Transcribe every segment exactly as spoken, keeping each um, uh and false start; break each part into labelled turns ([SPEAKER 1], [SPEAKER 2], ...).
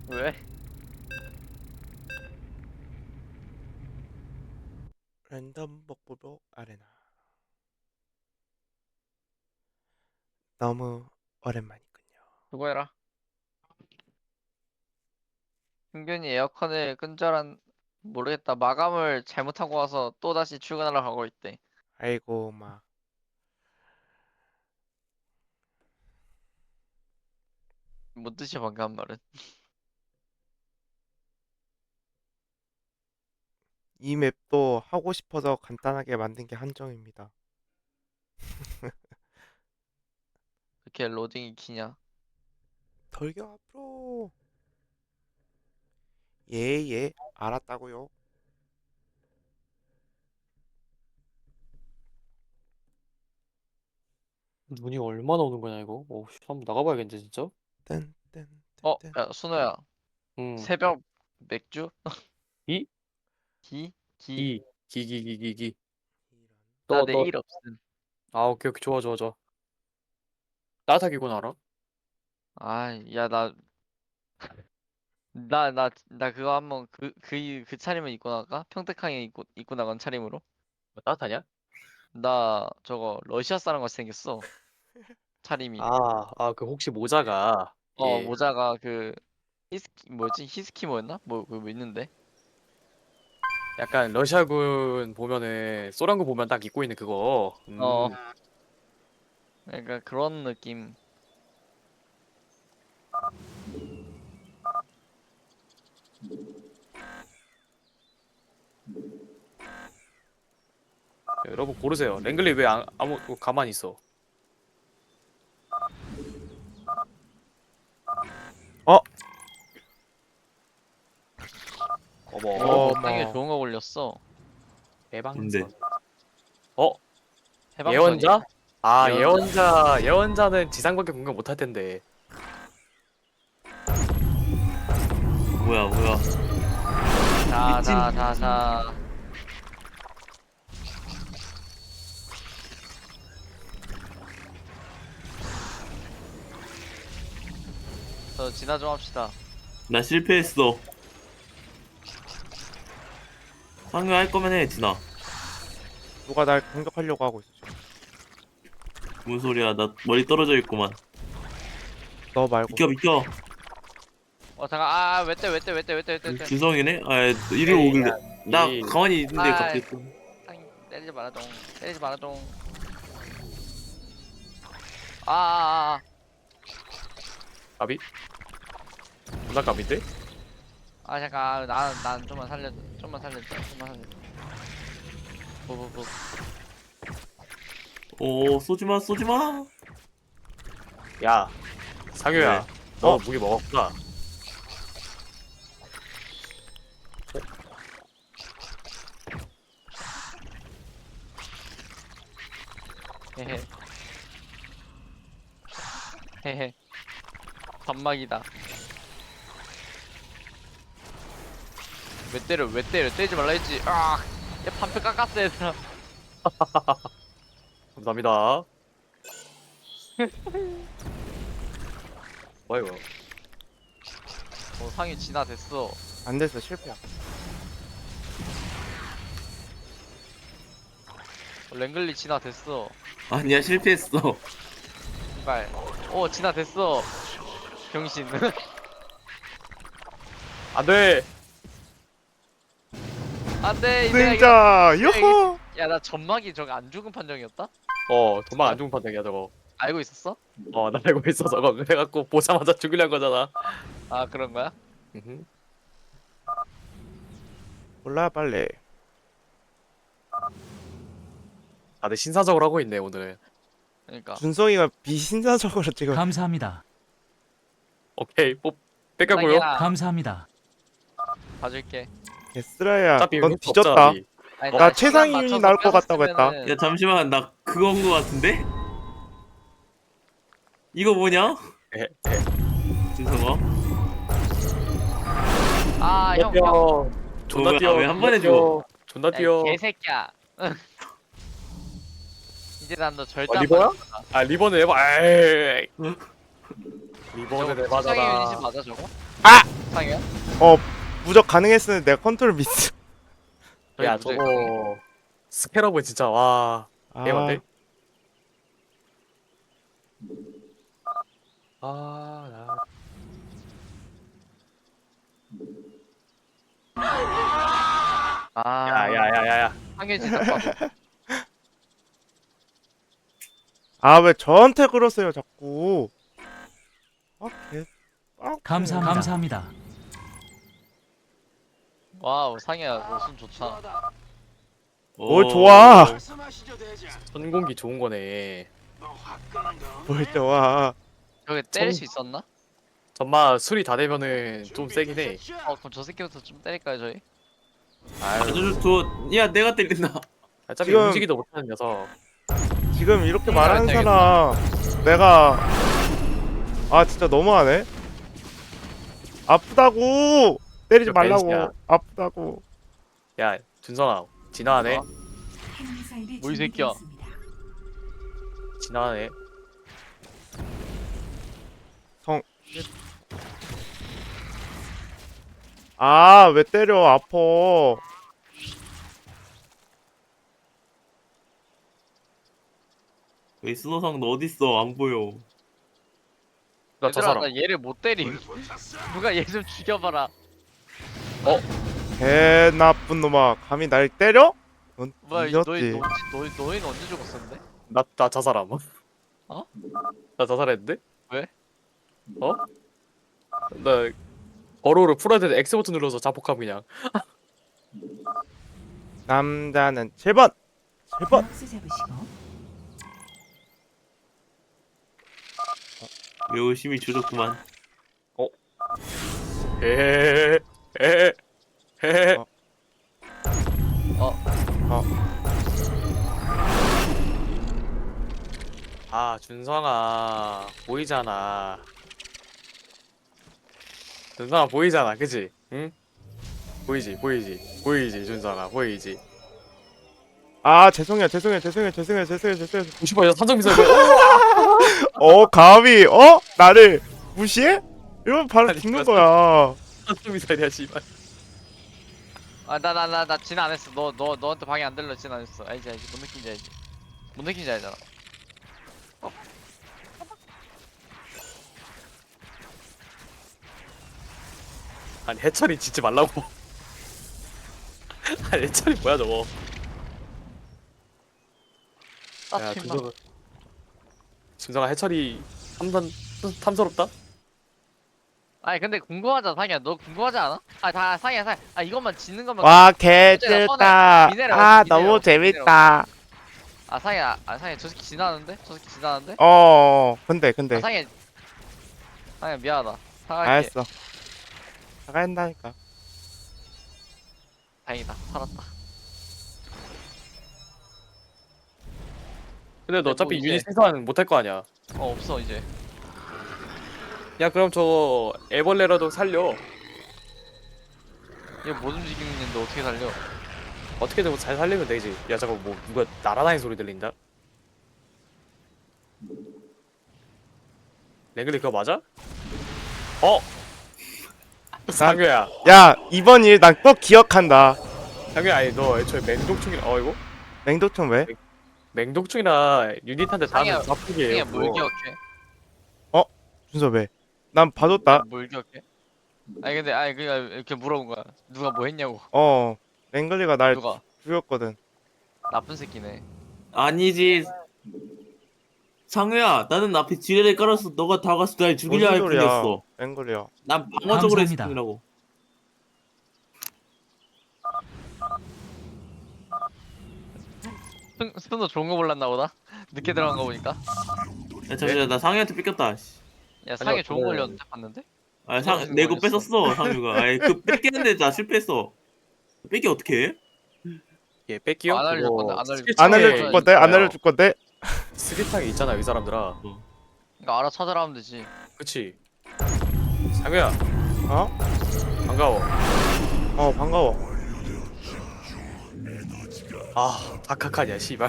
[SPEAKER 1] 왜?
[SPEAKER 2] 랜덤 복불복 아레나 너무 오랜만이군요.
[SPEAKER 1] 수고해라. 승균이 에어컨을 끈 줄 알... 모르겠다. 마감을 잘못하고 와서 또다시 출근하러 가고 있대.
[SPEAKER 2] 아이고 막
[SPEAKER 1] 뭔 뜻이야 방금 한 말은?
[SPEAKER 2] 이 맵도 하고 싶어서 간단하게 만든 게 한정입니다.
[SPEAKER 1] 이렇게 로딩이 기냐?
[SPEAKER 2] 덜겨 앞으로. 예예 알았다고요.
[SPEAKER 3] 눈이 얼마나 오는 거냐 이거? 오, 씨, 한번 나가봐야겠는데 진짜?
[SPEAKER 1] 어?
[SPEAKER 2] 뜬뜬뜬뜬
[SPEAKER 1] 야 순호야.
[SPEAKER 3] 응.
[SPEAKER 1] 새벽 맥주?
[SPEAKER 3] 이?
[SPEAKER 1] 기? 기?
[SPEAKER 3] 기. 기기기기기.
[SPEAKER 1] 나
[SPEAKER 3] 너, 너.
[SPEAKER 1] 내일 없음.
[SPEAKER 3] 아, 오케이, 오케이. 좋아, 좋아, 좋아. 따뜻하기구나, 알아?
[SPEAKER 1] 아, 야, 나, 나, 나, 나 그거 한번 그, 그, 그 차림을 입고 나가? 평택항에 입고, 입고 나간 차림으로?
[SPEAKER 3] 뭐 따뜻하냐?
[SPEAKER 1] 나 저거 러시아 사람 같이 생겼어. 차림이.
[SPEAKER 3] 아, 아, 그 혹시 모자가,
[SPEAKER 1] 어,
[SPEAKER 3] 예.
[SPEAKER 1] 모자가 그, 히스키, 뭐지? 히스키모였나? 뭐, 그거 뭐 있는데?
[SPEAKER 3] 약간 러시아군 보면은, 소련군 보면 딱 입고 있는 그거. 음.
[SPEAKER 1] 어, 그러니까 그런 느낌.
[SPEAKER 3] 여러분 고르세요. 랭글리 왜 안, 아무, 가만히 있어?
[SPEAKER 2] 어?
[SPEAKER 3] 어머,
[SPEAKER 1] 오,
[SPEAKER 2] 어머.
[SPEAKER 1] 땅에 좋은 거 걸렸어.
[SPEAKER 3] 해방선. 어?
[SPEAKER 1] 해방선이?
[SPEAKER 3] 예언자? 아,
[SPEAKER 1] 예언자.
[SPEAKER 3] 예언자, 예언자는 지상밖에 공격 못할 텐데.
[SPEAKER 4] 뭐야 뭐야
[SPEAKER 1] 자,
[SPEAKER 4] 미친.
[SPEAKER 1] 자, 자, 자. 저 진화 좀 합시다.
[SPEAKER 4] 나 실패했어. 상의할 거면 해 진아.
[SPEAKER 2] 누가 날 공격하려고 하고 있어 지금.
[SPEAKER 4] 뭔 소리야, 나 머리 떨어져 있구만.
[SPEAKER 2] 너 말고.
[SPEAKER 4] 비켜 비켜.
[SPEAKER 1] 어, 잠깐, 아, 왜 때, 왜 때, 왜 때, 왜 때, 왜 때, 왜 때.
[SPEAKER 4] 주성이네? 아 이리로 오길래 나
[SPEAKER 3] 이-
[SPEAKER 4] 가만히 있는데
[SPEAKER 1] 아이.
[SPEAKER 4] 갑자기 또
[SPEAKER 1] 땅, 때리지 말아동. 때리지 말아동. 아, 아, 아.
[SPEAKER 3] 가비? 존나 가비인데?
[SPEAKER 1] 아 잠깐 난, 난 좀만 살려줘 좀만 살려줘 좀만 살려줘 뭐뭐뭐
[SPEAKER 4] 오 쏘지마 쏘지마.
[SPEAKER 3] 야, 상효야.
[SPEAKER 4] 네.
[SPEAKER 3] 너
[SPEAKER 2] 어?
[SPEAKER 3] 무기 먹었구나.
[SPEAKER 1] 헤헤 헤헤 반막이다 왜 때려 왜 때려 때리지 말라 했지 아야 반패 깎았어 얘들아
[SPEAKER 3] 감사합니다. 뭐야 이거?
[SPEAKER 1] 어 상이 진화됐어
[SPEAKER 2] 안 됐어 실패야.
[SPEAKER 1] 어, 랭글리 진화됐어
[SPEAKER 4] 아니야 실패했어.
[SPEAKER 1] 이발 어 진화됐어 병신
[SPEAKER 3] 안돼.
[SPEAKER 1] 안돼 내가 이거
[SPEAKER 2] 승자 요호.
[SPEAKER 1] 야나 점막이 저거 안 죽은 판정이었다?
[SPEAKER 3] 어, 도망 안 죽은 판정이야 저거.
[SPEAKER 1] 알고 있었어?
[SPEAKER 3] 어, 나 알고 있어 저거. 그래갖고 보자마자 죽이려는 거잖아.
[SPEAKER 1] 아 그런 거야?
[SPEAKER 3] 음흠.
[SPEAKER 2] 몰라 빨리.
[SPEAKER 3] 다들 신사적으로 하고 있네 오늘은.
[SPEAKER 1] 그러니까
[SPEAKER 2] 준성이가 비신사적으로 지금.
[SPEAKER 5] 감사합니다.
[SPEAKER 3] 오케이, 뽑 뺏겨고요.
[SPEAKER 1] 자기야,
[SPEAKER 5] 감사합니다.
[SPEAKER 1] 봐줄게
[SPEAKER 2] 예스라야
[SPEAKER 3] 어차피
[SPEAKER 2] 넌
[SPEAKER 3] 의미
[SPEAKER 2] 뒤졌다.
[SPEAKER 3] 없잖아, 니.
[SPEAKER 1] 아니,
[SPEAKER 2] 나
[SPEAKER 1] 시간
[SPEAKER 2] 최상위윤이
[SPEAKER 1] 맞춰서
[SPEAKER 2] 나올 것 같다고 했다.
[SPEAKER 1] 뺏었으면은
[SPEAKER 4] 야 잠시만, 나 그건 거 같은데? 이거 뭐냐?
[SPEAKER 3] 에, 에.
[SPEAKER 4] 준성아.
[SPEAKER 1] 아, 형, 형.
[SPEAKER 3] 뛰어. 존나
[SPEAKER 4] 뭐야,
[SPEAKER 3] 뛰어.
[SPEAKER 4] 왜한 번에
[SPEAKER 3] 뛰어. 존나
[SPEAKER 1] 야,
[SPEAKER 3] 뛰어.
[SPEAKER 1] 이 개새끼야. 이제 난 너 절대
[SPEAKER 3] 어,
[SPEAKER 1] 안
[SPEAKER 3] 리버야?
[SPEAKER 1] 맞는다.
[SPEAKER 3] 아, 리본을 해봐. 에이.
[SPEAKER 4] 응?
[SPEAKER 3] 리본을
[SPEAKER 1] 저거 최상위 유닛이
[SPEAKER 3] 해봐잖아.
[SPEAKER 1] 맞아 저거? 상이야?
[SPEAKER 2] 어 무적 가능했으면 내가 컨트롤 미스.
[SPEAKER 3] 야
[SPEAKER 1] 저기
[SPEAKER 3] 저거 스캐러브 진짜 와
[SPEAKER 2] 아
[SPEAKER 3] 대박인데? 아 나...
[SPEAKER 1] 아,
[SPEAKER 3] 야야야야야
[SPEAKER 1] 상현 진짜 봐도.
[SPEAKER 2] 아 왜 저한테 그러세요 자꾸. 아개 아,
[SPEAKER 5] 감사합니다. 감사합니다.
[SPEAKER 1] 와우, 상현 너손 좋다.
[SPEAKER 2] 뭘
[SPEAKER 4] 어,
[SPEAKER 2] 좋아.
[SPEAKER 3] 전공기 좋은 거네.
[SPEAKER 2] 뭘 좋아.
[SPEAKER 1] 저게 때릴
[SPEAKER 3] 정-
[SPEAKER 1] 수 있었나?
[SPEAKER 3] 전마 술이 다 되면은 좀 세긴 해.
[SPEAKER 1] 어, 그럼 저 새끼부터 좀 때릴까요, 저희?
[SPEAKER 3] 아유
[SPEAKER 4] 아주 좋. 야 내가 때린다.
[SPEAKER 3] 어차피
[SPEAKER 2] 지금-
[SPEAKER 3] 움직이도 못하는 녀석.
[SPEAKER 2] 지금 이렇게
[SPEAKER 1] 음,
[SPEAKER 2] 말하는
[SPEAKER 1] 알겠다,
[SPEAKER 2] 사람 내가 아 진짜 너무하네. 아프다고 때리지
[SPEAKER 3] 이거 벤시야.
[SPEAKER 2] 말라고. 아프다고.
[SPEAKER 3] 야 준성아 지나가네.
[SPEAKER 1] 어? 뭐 이 새끼야?
[SPEAKER 3] 지나가네.
[SPEAKER 2] 아 왜 때려 아파.
[SPEAKER 4] 여기 스노상 너 어딨어? 안 보여.
[SPEAKER 3] 나 저
[SPEAKER 1] 얘들아,
[SPEAKER 3] 사람.
[SPEAKER 1] 나 얘를 못 때림. 누가 얘 좀 죽여봐라.
[SPEAKER 2] 개 나쁜 놈아 감히 날 때려? 넌
[SPEAKER 1] 뭐야, 이- 너희
[SPEAKER 2] 뒤졌지.
[SPEAKER 1] 너, 너희 너희는 언제 죽었었는데?
[SPEAKER 3] 나나 저 사람.
[SPEAKER 1] 어?
[SPEAKER 3] 나 자살했는데?
[SPEAKER 1] 왜?
[SPEAKER 3] 어? 나 버로우를 풀어야 되는데 X 버튼 눌러서 자폭함 그냥.
[SPEAKER 2] 남자는 칠 번 칠 번.
[SPEAKER 4] 열심히 조졌구만.
[SPEAKER 3] 에헤헤 에헤 에헤.
[SPEAKER 2] 어.
[SPEAKER 1] 어.
[SPEAKER 2] 어.
[SPEAKER 3] 아 준성아 보이잖아. 준성아 보이잖아, 그치? 응? 보이지, 보이지, 보이지, 준성아 보이지.
[SPEAKER 2] 아 죄송해요 죄송해요 죄송해요 죄송해요 죄송해요 죄송해요.
[SPEAKER 3] 오십번이서 산정미사일.
[SPEAKER 2] 어 감히 어 나를 무시해? 이러면 바로
[SPEAKER 3] 아니,
[SPEAKER 2] 죽는
[SPEAKER 3] 그거
[SPEAKER 2] 거야.
[SPEAKER 3] 산정미사일이야 씨발.
[SPEAKER 1] 아, 나 나 나 나 진 안 했어. 너 너 너한테 방해 안 들려 진 안 했어. 알지 알지. 뭔 느낌인지 알지. 뭔 느낌인지 알잖아.
[SPEAKER 3] 아니 해철이 짓지 말라고. 아니 해철이 뭐야 저거. 야
[SPEAKER 1] 아, 임마.
[SPEAKER 3] 준성아 준성아 해철이 탐단 탐스럽다.
[SPEAKER 1] 아니 근데 궁금하잖아, 상이야. 너 궁금하지 않아? 아, 다 상이야, 상. 아, 이것만 짓는 것만.
[SPEAKER 2] 와
[SPEAKER 1] 개
[SPEAKER 2] 개질다.
[SPEAKER 1] 미네랄
[SPEAKER 2] 아
[SPEAKER 1] 어때, 미네랄
[SPEAKER 2] 너무
[SPEAKER 1] 어때, 미네랄
[SPEAKER 2] 재밌다.
[SPEAKER 1] 아, 상이야. 아, 상이야. 저 새끼 지나는데? 저 새끼 지나는데?
[SPEAKER 2] 어, 어 근데 근데
[SPEAKER 1] 아, 상이야. 상이야, 미안하다. 사갈게.
[SPEAKER 2] 알았어. 나간다니까.
[SPEAKER 1] 다행이다. 살았다.
[SPEAKER 3] 근데 너
[SPEAKER 1] 뭐
[SPEAKER 3] 어차피
[SPEAKER 1] 이제-
[SPEAKER 3] 유닛 생산 못할 거 아니야.
[SPEAKER 1] 어, 없어 이제.
[SPEAKER 3] 야 그럼 저거 애벌레라도 살려.
[SPEAKER 1] 얘 못 움직이는데 어떻게 살려?
[SPEAKER 3] 어떻게든 잘 살리면 되지. 야 잠깐 뭐 누가 날아다니는 소리 들린다. 랭글리 그거 맞아? 어? 상규야.
[SPEAKER 2] 야 이번 일 난 꼭 기억한다.
[SPEAKER 3] 상규야 아니 너 애초에 맹독충이라 어 이거?
[SPEAKER 2] 맹독충 왜?
[SPEAKER 3] 맹독충이라 유닛한테
[SPEAKER 1] 상이야,
[SPEAKER 3] 닿으면 아프게
[SPEAKER 1] 상이야,
[SPEAKER 3] 해요.
[SPEAKER 1] 뭘
[SPEAKER 3] 그거.
[SPEAKER 1] 기억해?
[SPEAKER 2] 준서 왜? 난 봐줬다.
[SPEAKER 1] 뭘 기억해? 아니 근데 아니 그냥 이렇게 물어본 거야. 누가 뭐 했냐고.
[SPEAKER 2] 어 랭글리가 날
[SPEAKER 1] 누가?
[SPEAKER 2] 죽였거든.
[SPEAKER 1] 나쁜 새끼네.
[SPEAKER 4] 아니지. 상우야, 나는 앞에 지뢰를 깔아서 너가 다가서 날 죽이려
[SPEAKER 2] 무슨
[SPEAKER 4] 할
[SPEAKER 2] 소리야?
[SPEAKER 4] 뿐이었어.
[SPEAKER 2] 랭글리야.
[SPEAKER 4] 난 방어적으로 했을
[SPEAKER 5] 감사합니다.
[SPEAKER 4] 뿐이라고.
[SPEAKER 1] 스푼, 스푼도 좋은 거 몰랐나 보다. 늦게 들어간 거 보니까.
[SPEAKER 4] 야 잠시만, 나 상우한테 뺏겼다. 씨.
[SPEAKER 1] 야, 상에 좋은 거
[SPEAKER 3] 그래.
[SPEAKER 1] 걸렸는데 봤는데?
[SPEAKER 4] 아,
[SPEAKER 1] 무슨
[SPEAKER 4] 상, 내거
[SPEAKER 1] 거였어?
[SPEAKER 4] 뺏었어, 상우가. 아이, 그 뺏겼는데 나 실패했어. 뺏기 어떻게 해?
[SPEAKER 3] 얘 뺏기요?
[SPEAKER 1] 안 알려줄
[SPEAKER 3] 그거
[SPEAKER 1] 건데, 안 알려줄
[SPEAKER 3] 스킬창에
[SPEAKER 2] 안 알려줄 건데? 안
[SPEAKER 3] 있어요.
[SPEAKER 2] 알려줄 건데?
[SPEAKER 3] 스킬창에 있잖아 이 사람들아.
[SPEAKER 1] 그러니까 알아 찾아라 하면 되지.
[SPEAKER 3] 그치? 상규야
[SPEAKER 2] 어?
[SPEAKER 3] 반가워.
[SPEAKER 2] 어 반가워.
[SPEAKER 3] 아 다카카냐 씨발.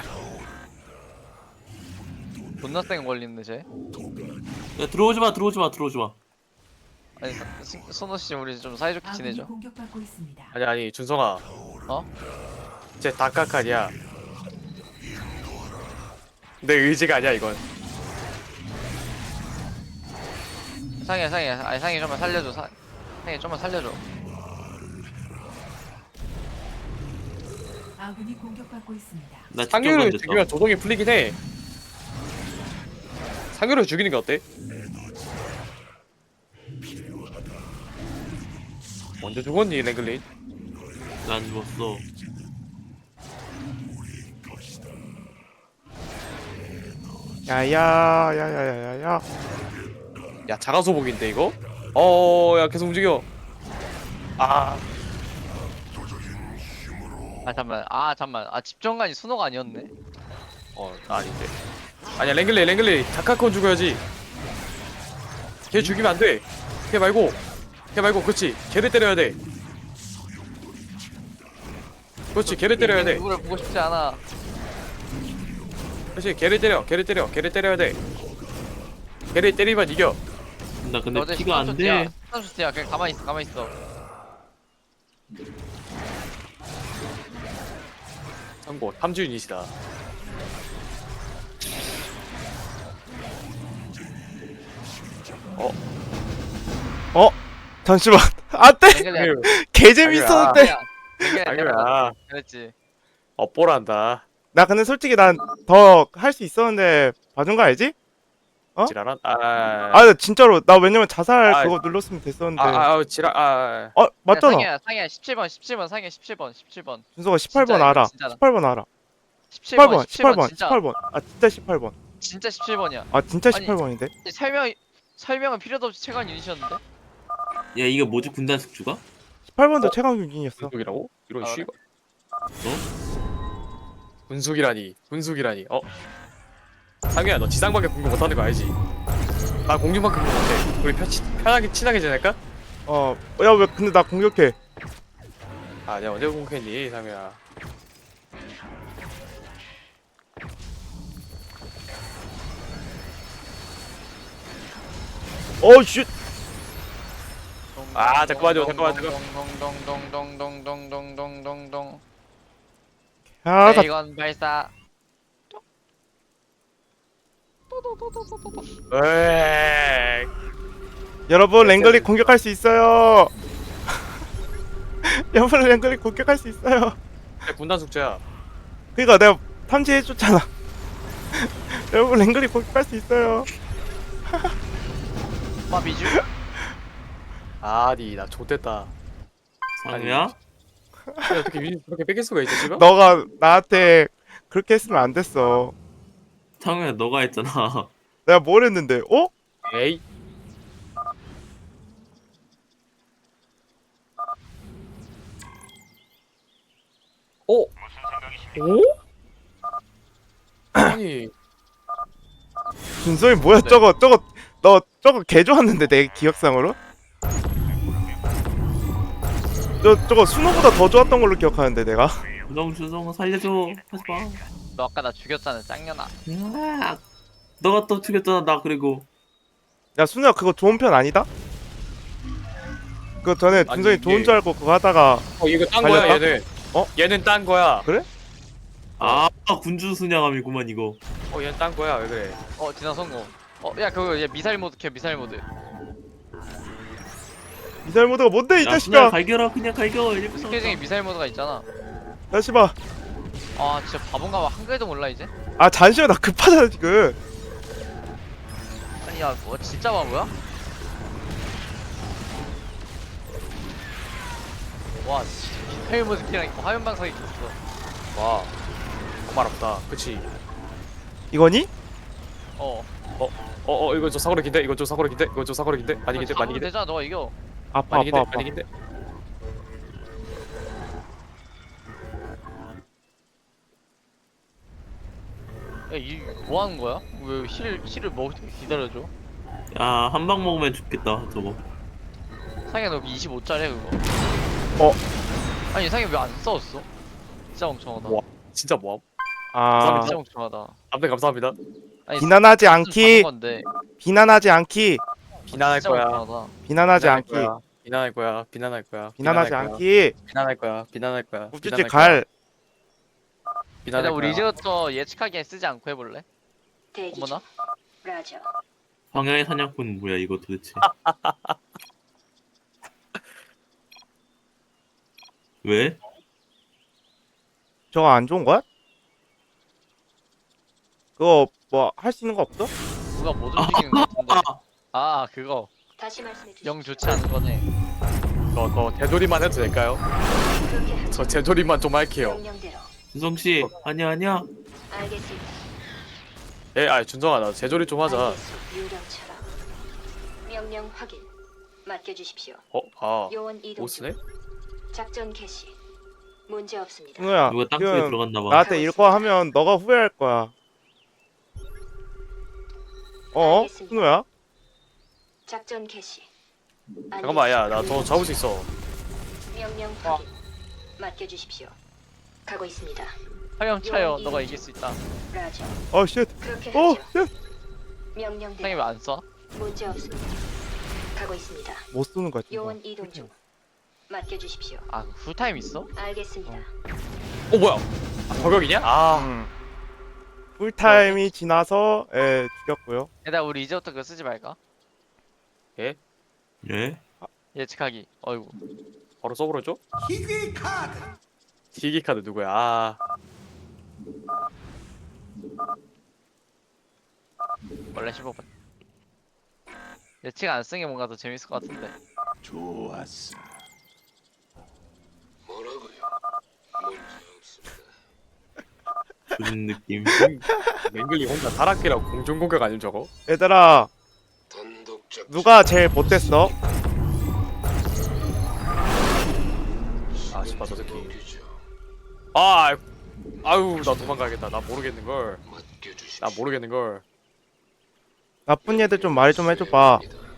[SPEAKER 1] 존나 센 걸리는데 쟤.
[SPEAKER 4] 야, 들어오지 마, 들어오지 마, 들어오지 마.
[SPEAKER 1] 아니 서- 스- 선호 씨 우리 좀 사이좋게
[SPEAKER 5] 아군이
[SPEAKER 1] 지내죠.
[SPEAKER 5] 공격받고 있습니다.
[SPEAKER 3] 아니 아니 준성아.
[SPEAKER 1] 어?
[SPEAKER 3] 쟤 다카칸이야. 내 의지가 아니야 이건.
[SPEAKER 1] 상해 상해 아니 상해 좀만 살려줘. 사, 상해 좀만 살려줘.
[SPEAKER 5] 아군이 공격받고 있습니다.
[SPEAKER 4] 나 직접
[SPEAKER 3] 상유를
[SPEAKER 4] 던졌어.
[SPEAKER 3] 죽이면 조동이 풀리긴 해. 상유를 죽이는 게 어때? 언제 죽었니 랭글린?
[SPEAKER 4] 난 죽었어.
[SPEAKER 2] 야야야야야야야.
[SPEAKER 3] 야 자가소복인데 이거? 어야 계속 움직여. 아
[SPEAKER 1] 아 잠만 아 잠만 아 집정관이 순호가 아니었네.
[SPEAKER 3] 어, 아닌데. 아니야, 랭글리, 랭글리. 다카콘 죽어야지. 걔 죽이면 안 돼. 걔 말고. 걔 말고, 그렇지. 걔를 때려야 돼. 그렇지, 걔를 때려야 돼.
[SPEAKER 1] 누구를 보고 싶지 않아.
[SPEAKER 3] 그렇지, 걔를 때려. 걔를 때려. 걔를 때려야 돼. 걔를 때리면 이겨.
[SPEAKER 4] 나 근데
[SPEAKER 1] 어제
[SPEAKER 4] 피가 안 돼.
[SPEAKER 1] 십삼 슈트야. 그냥 가만히 있어 가만히 있어.
[SPEAKER 3] 참고, 탐주인이시다. 어,
[SPEAKER 2] 어? 잠시만. 안돼.
[SPEAKER 1] 랭글리야.
[SPEAKER 2] 개 재밌었는데.
[SPEAKER 1] 랭글리야
[SPEAKER 3] 당연아.
[SPEAKER 1] 그랬지.
[SPEAKER 3] 업보란다.
[SPEAKER 2] 나 근데 솔직히 난 더 할 수 있었는데 봐준 거 알지? 어?
[SPEAKER 3] 지랄한? 아,
[SPEAKER 2] 아, 나 진짜로 나 왜냐면 자살
[SPEAKER 3] 아,
[SPEAKER 2] 그거 눌렀으면 됐었는데.
[SPEAKER 3] 아, 아, 아, 지랄, 아,
[SPEAKER 2] 어 맞잖아.
[SPEAKER 1] 상해야 상해야 십칠 번 십칠 번 상해 십칠 번 십칠 번
[SPEAKER 2] 준서가 십팔 번
[SPEAKER 1] 진짜
[SPEAKER 2] 알아.
[SPEAKER 1] 이거 진짜다.
[SPEAKER 2] 십팔 번 알아.
[SPEAKER 1] 십칠
[SPEAKER 2] 십팔
[SPEAKER 1] 번
[SPEAKER 2] 번,
[SPEAKER 1] 십칠
[SPEAKER 2] 십팔
[SPEAKER 1] 번
[SPEAKER 2] 번,
[SPEAKER 1] 진짜
[SPEAKER 2] 십팔 번. 아 진짜 십팔 번.
[SPEAKER 1] 진짜 십칠 번이야.
[SPEAKER 2] 아 진짜
[SPEAKER 1] 아니,
[SPEAKER 2] 십팔 번인데?
[SPEAKER 1] 설명 설명은 필요도 없이 최강 유닛이었는데.
[SPEAKER 4] 야 이거 뭐지 군단 숙주가?
[SPEAKER 2] 십팔 번도
[SPEAKER 3] 어?
[SPEAKER 2] 최강 유닛이었어.
[SPEAKER 3] 분숙이라고? 이런
[SPEAKER 1] 아,
[SPEAKER 3] 쉬가? 분숙이라니, 분숙이라니. 어? 상규야, 너 지상밖에 공격 못하는 거 알지? 나 공중만 공격 못해. 우리 편, 편하게 친하게 지낼까?
[SPEAKER 2] 어, 야 왜 근데 나 공격해?
[SPEAKER 3] 아, 내가 언제 공격했니, 상규야?
[SPEAKER 2] 어 슛.
[SPEAKER 3] 아, 잠깐만요, 잠깐만, 잠깐만.
[SPEAKER 1] 동동동동동동동동동동동.
[SPEAKER 2] 야, 가,
[SPEAKER 1] 레이건 발사.
[SPEAKER 3] 에이.
[SPEAKER 2] 여러분 랭글리 공격할 수 있어요. 여러분 랭글리 공격할 수 있어요.
[SPEAKER 3] 군단 숙제야.
[SPEAKER 2] 그니까 내가 탐지해줬잖아. 여러분 랭글리 공격할 수 있어요.
[SPEAKER 1] 마비주.
[SPEAKER 3] 아니, 나 좆됐다.
[SPEAKER 4] 상우야?
[SPEAKER 3] 아니, 어떻게 유닛 그렇게 뺏길 수가 있지, 지금?
[SPEAKER 2] 너가 나한테 그렇게 했으면 안 됐어.
[SPEAKER 4] 상우야 너가 했잖아.
[SPEAKER 2] 내가 뭘 했는데? 어?
[SPEAKER 3] 에이. 어? 오? 아니,
[SPEAKER 2] 준성이 뭐야?
[SPEAKER 1] 네.
[SPEAKER 2] 저거 저거 너 저거 개 좋았는데 내 기억상으로? 저 저거 순호보다 더 좋았던 걸로 기억하는데 내가.
[SPEAKER 4] 너무 주성 살려줘. 하지 마.
[SPEAKER 1] 너 아까 나 죽였잖아 짱년아.
[SPEAKER 4] 야, 너가 또 죽였잖아 나 그리고.
[SPEAKER 2] 야 순호야 그거 좋은 편 아니다? 그거 전에
[SPEAKER 3] 아니,
[SPEAKER 2] 준성이
[SPEAKER 3] 이게-
[SPEAKER 2] 좋은 줄 알고 그거 하다가
[SPEAKER 3] 어, 이거 딴 거야,
[SPEAKER 2] 갈렸다?
[SPEAKER 3] 얘는.
[SPEAKER 2] 어?
[SPEAKER 3] 얘는 딴 거야.
[SPEAKER 4] 아 군주 순양함이구만 이거.
[SPEAKER 3] 어, 얘는 딴 거야, 왜 그래?
[SPEAKER 1] 어 진화 성공. 어야 그거 얘 미사일 모드 켜 미사일 모드.
[SPEAKER 2] 미사일 모드가 뭔데 이
[SPEAKER 4] 야 그냥
[SPEAKER 2] 자식아?
[SPEAKER 4] 갈겨라 그냥 갈겨. 일부러
[SPEAKER 1] 스킬 중에 미사일 모드가 있잖아.
[SPEAKER 2] 자식아.
[SPEAKER 1] 아 진짜 바본가 봐. 한글도 몰라 이제.
[SPEAKER 2] 아 잠시만 나 급하잖아 지금.
[SPEAKER 1] 아니 야뭐 진짜 바보야? 와 진짜 미사일 모드 키랑 있고 화면 방석이 있어.
[SPEAKER 3] 와, 정말 없다. 그치?
[SPEAKER 2] 이거니?
[SPEAKER 1] 어.
[SPEAKER 3] 어, 어, 이거 좀 사고로 긴데? 이거 좀 사고로 긴데? 이거 좀 사고로 긴데? 많이 긴데? 많이
[SPEAKER 1] 잡으면
[SPEAKER 3] 긴데?
[SPEAKER 1] 되잖아. 너가 이겨.
[SPEAKER 2] 아파
[SPEAKER 3] 많이 긴데?
[SPEAKER 2] 아파 아파.
[SPEAKER 3] 많이 긴데?
[SPEAKER 1] 야이뭐 하는 거야? 왜 힐, 힐을 먹을 때 기다려줘?
[SPEAKER 4] 야 한 방 먹으면 죽겠다 저거.
[SPEAKER 1] 상현 너 이십오 짜리야 그거.
[SPEAKER 2] 어.
[SPEAKER 1] 아니 상현 왜 안 싸웠어? 진짜 멍청하다.
[SPEAKER 3] 와. 진짜 뭐함?
[SPEAKER 2] 아
[SPEAKER 1] 진짜 멍청하다.
[SPEAKER 3] 아무튼 감사합니다.
[SPEAKER 1] 아니,
[SPEAKER 2] 비난하지
[SPEAKER 1] 좀
[SPEAKER 2] 않기.
[SPEAKER 1] 잡은 건데.
[SPEAKER 2] 비난하지 않기.
[SPEAKER 3] 비난할
[SPEAKER 1] 진짜
[SPEAKER 3] 거야.
[SPEAKER 1] 못하다.
[SPEAKER 2] 비난하지
[SPEAKER 3] 비난할
[SPEAKER 2] 않기.
[SPEAKER 3] 거야. 비난할 거야. 비난할 거야.
[SPEAKER 2] 비난하지
[SPEAKER 3] 비난할 거야.
[SPEAKER 2] 않기.
[SPEAKER 3] 비난할 거야. 비난할 거야.
[SPEAKER 2] 우쭈쭈
[SPEAKER 3] 비난할
[SPEAKER 2] 갈.
[SPEAKER 3] 거야.
[SPEAKER 1] 근데
[SPEAKER 3] 비난할
[SPEAKER 1] 우리
[SPEAKER 3] 거야.
[SPEAKER 1] 이제부터 예측하기엔 쓰지 않고 해볼래?
[SPEAKER 6] 대기 중.
[SPEAKER 1] 어머나?
[SPEAKER 6] 라저.
[SPEAKER 4] 황야의 사냥꾼 뭐야 이거 도대체? 왜?
[SPEAKER 2] 저거 안 좋은 거야? 그거 뭐 할 수 있는 거 없어?
[SPEAKER 1] 누가 못 움직이는 것 같은데. 아 그거
[SPEAKER 6] 다시 말씀해 주십시오.
[SPEAKER 1] 영 좋지 않은 거네.
[SPEAKER 3] 저, 저 되돌이만 해도 될까요?
[SPEAKER 6] 그렇게 하죠.
[SPEAKER 3] 저 되돌이만 좀 할게요.
[SPEAKER 6] 명령대로.
[SPEAKER 4] 준성 씨 아니야 아니야.
[SPEAKER 6] 알겠습니다.
[SPEAKER 3] 예, 아 준성아 나 제조리 좀 하자.
[SPEAKER 6] 알겠소, 유령처럼. 명령 확인. 맡겨주십시오.
[SPEAKER 3] 어, 아,
[SPEAKER 6] 요원 이동 중.
[SPEAKER 3] 오스네?
[SPEAKER 6] 작전 개시. 문제 없습니다.
[SPEAKER 2] 승우야
[SPEAKER 4] 누가 땅속에
[SPEAKER 2] 지금
[SPEAKER 4] 들어갔나 봐.
[SPEAKER 2] 나한테 이거 하면 너가 후회할 거야. 어?
[SPEAKER 6] 알겠습니다.
[SPEAKER 2] 승우야?
[SPEAKER 6] 작전 개시.
[SPEAKER 3] 잠깐만, 야, 나 저 잡을 수 있어.
[SPEAKER 6] 명령 확인. 맡겨주십시오. 가고 있습니다.
[SPEAKER 1] 화영 차요. 너가 이길 수 있다.
[SPEAKER 6] 라저.
[SPEAKER 2] 어 쉣.
[SPEAKER 6] 그렇게
[SPEAKER 2] 어
[SPEAKER 6] 하죠.
[SPEAKER 2] 쉣.
[SPEAKER 6] 명령대로.
[SPEAKER 1] 형이 왜 안 써?
[SPEAKER 6] 문제 없습니다. 가고 있습니다.
[SPEAKER 2] 못 쏘는 거야 지금.
[SPEAKER 6] 요원 이동 중. 맡겨주십시오.
[SPEAKER 1] 아 풀타임 있어?
[SPEAKER 6] 알겠습니다.
[SPEAKER 3] 어, 뭐야? 아, 저격이냐? 아,
[SPEAKER 2] 음. 풀타임이 지나서 예 죽였고요.
[SPEAKER 1] 얘들아 우리 이제부터 그거 쓰지 말까?
[SPEAKER 4] 예?
[SPEAKER 1] 예측하기. 어이구.
[SPEAKER 3] 바로 써버렸죠? 희귀 카드. 희귀 카드 누구야? 아,
[SPEAKER 1] 원래 십오 번. 예측 안 쓰는 게 뭔가 더 재밌을 것 같은데.
[SPEAKER 4] 그런 느낌.
[SPEAKER 3] 랭글리 혼자 타락기라고 공중 공격 아님 저거?
[SPEAKER 2] 얘들아 누가 제일 못됐어?
[SPEAKER 3] 아, 씨발 저 새끼. 아, 아유, 나 도망가야겠다. 나 모르겠는 걸. 나 모르겠는 걸.
[SPEAKER 2] 나쁜 얘들 좀 말 좀 해줘봐.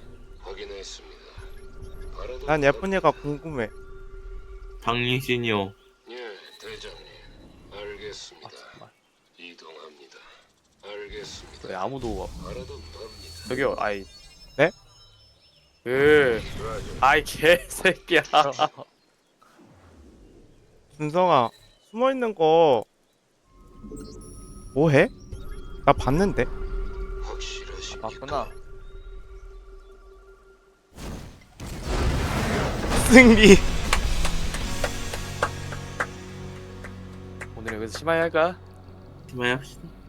[SPEAKER 2] 난 예쁜 얘가 궁금해.
[SPEAKER 4] 당신이요.
[SPEAKER 7] 예, 대장님. 알겠습니다.
[SPEAKER 3] 아, 정말.
[SPEAKER 7] 이동합니다. 알겠습니다.
[SPEAKER 3] 왜 아무도
[SPEAKER 7] 바라던 겁니다.
[SPEAKER 3] 저기요, 아이.
[SPEAKER 2] 네?
[SPEAKER 3] 그, 아이 개새끼야.
[SPEAKER 2] 준성아 숨어 있는 거 뭐해? 나 봤는데.
[SPEAKER 7] 확실하십니까?
[SPEAKER 1] 맞구나.
[SPEAKER 2] 승리.
[SPEAKER 3] 오늘 여기서 심하게 할까?
[SPEAKER 4] 그만합시다.